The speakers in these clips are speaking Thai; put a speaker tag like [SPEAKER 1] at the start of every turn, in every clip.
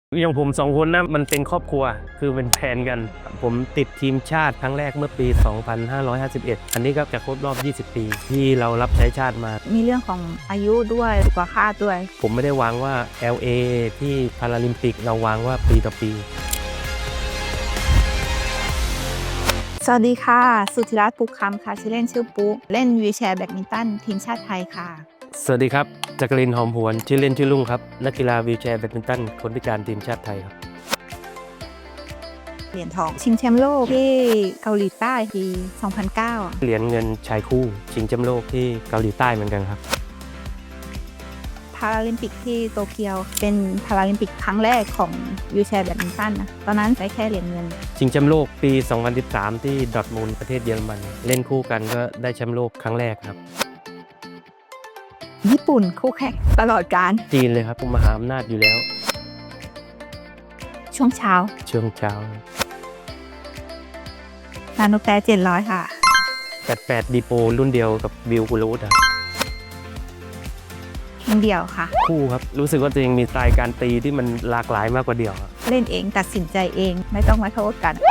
[SPEAKER 1] อย่างผม2คนนะมันเป็นครอบครัวคือเป็นแฟนกันผมติดทีมชาติครั้งแรกเมื่อปี 2551 อันนี้ก็จะครบรอบ 20 ปีที่เรารับใช้ชาติมา
[SPEAKER 2] มีเรื่องของอายุด้วยสุขภาพด้วย
[SPEAKER 1] ผมไม่ได้วางว่า LA ที่พาราลิมปิกเราวางว่าปีต่อปี
[SPEAKER 2] สวัสดีค่ะสุธิรัตน์ปุกคำค่ะชื่อเล่นชื่อปุ๊เล่นวีลแชร์แบดมินตันทีมชาติไทยค่ะ
[SPEAKER 1] สวัสดีครับจักรินทร์หอมหวนชื่อเล่นชื่อลุงครับนักกีฬาวีลแชร์แบดมินตันคนพิการทีมชาติไทยครับ
[SPEAKER 2] เหรียญทองชิงแชมป์โลกที่เกาหลีใต้ปี 2009
[SPEAKER 1] เหรียญเงินชายคู่ชิงแชมป์โลกที่เกาหลีใต้เหมือนกันครับ
[SPEAKER 2] พาราลิมปิกที่โตเกียวเป็นพาราลิมปิกครั้งแรกของวีลแชร์แบดมินตันนะตอนนั้นได้แค่เหรียญเงิน
[SPEAKER 1] ชิงแชมป์โลกปี 2013 ที่ดอร์ทมุนด์ประเทศเยอรมันเล่นคู่กันก็ได้แชมป์โลกครั้งแรกครับ
[SPEAKER 2] ญี่ปุ่นคู่แข่งตลอดการ
[SPEAKER 1] จีนเลยครับมหาอำนาจอยู่แล้ว
[SPEAKER 2] ช่วงเช้า
[SPEAKER 1] ช่วงเช้า
[SPEAKER 2] นาโนแปร700 ค่ะ
[SPEAKER 1] 88ดีโปรุ่นเดียวกับวิวกุลูดครับ
[SPEAKER 2] เดี่ยวค่ะ
[SPEAKER 1] คู่ครับรู้สึกว่าตัวเองมีสไตล์การตีที่มันหลากหลายมากกว่าเดี่ยว
[SPEAKER 2] เล่นเองตัดสินใจเองไม่ต้องมาโทษกัน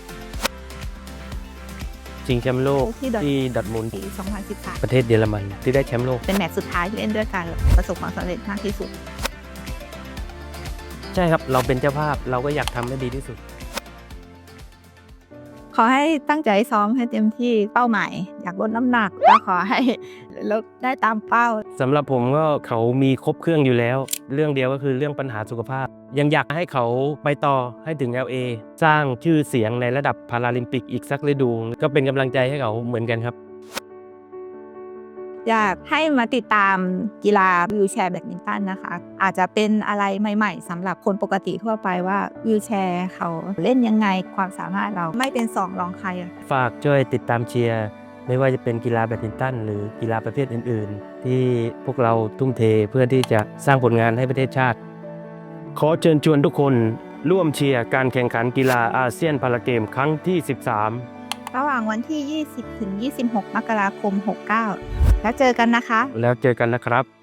[SPEAKER 1] ชิงแชมป์โลกที่ดอร์ทมุนด์
[SPEAKER 2] ปี 2013
[SPEAKER 1] ประเทศเยอรมันที่ได้แชมป์โลก
[SPEAKER 2] เป็นแมตช์สุดท้ายที่เล่นด้วยกันประสบความสำเร็จมากที่สุด
[SPEAKER 1] ใช่ครับเราเป็นเจ้าภาพเราก็อยากทำให้ดีที่สุด
[SPEAKER 2] ขอให้ตั้งใจซ้อมให้เต็มที่เป้าหมายอยากลดน้ำหนักก็ขอให้ลดได้ตามเป้า
[SPEAKER 1] สำหรับผมก็เขามีครบเครื่องอยู่แล้วเรื่องเดียวก็คือเรื่องปัญหาสุขภาพยังอยากให้เขาไปต่อให้ถึง LA สร้างชื่อเสียงในระดับพาราลิมปิกอีกสักฤดูก็เป็นกำลังใจให้เขาเหมือนกันครับ
[SPEAKER 2] อยากให้มาติดตามกีฬาวีลแชร์แบดมินตันนะคะอาจจะเป็นอะไรใหม่ๆสำหรับคนปกติทั่วไปว่าวีลแชร์เขาเล่นยังไงความสามารถเราไม่เป็นสองรองใคร
[SPEAKER 1] ฝากช่วยติดตามเชียร์ไม่ว่าจะเป็นกีฬาแบดมินตันหรือกีฬาประเภทอื่นๆที่พวกเราทุ่มเทเพื่อที่จะสร้างผลงานให้ประเทศชาติขอเชิญชวนทุกคนร่วมเชียร์การแข่งขันกีฬาอาเซียนพาราเกมครั้งที่ 13
[SPEAKER 2] ระหว่างวันที่ 20 ถึง 26 มกราคม 69 แล้วเจอกันนะคะ
[SPEAKER 1] แล้วเจอกันนะครับ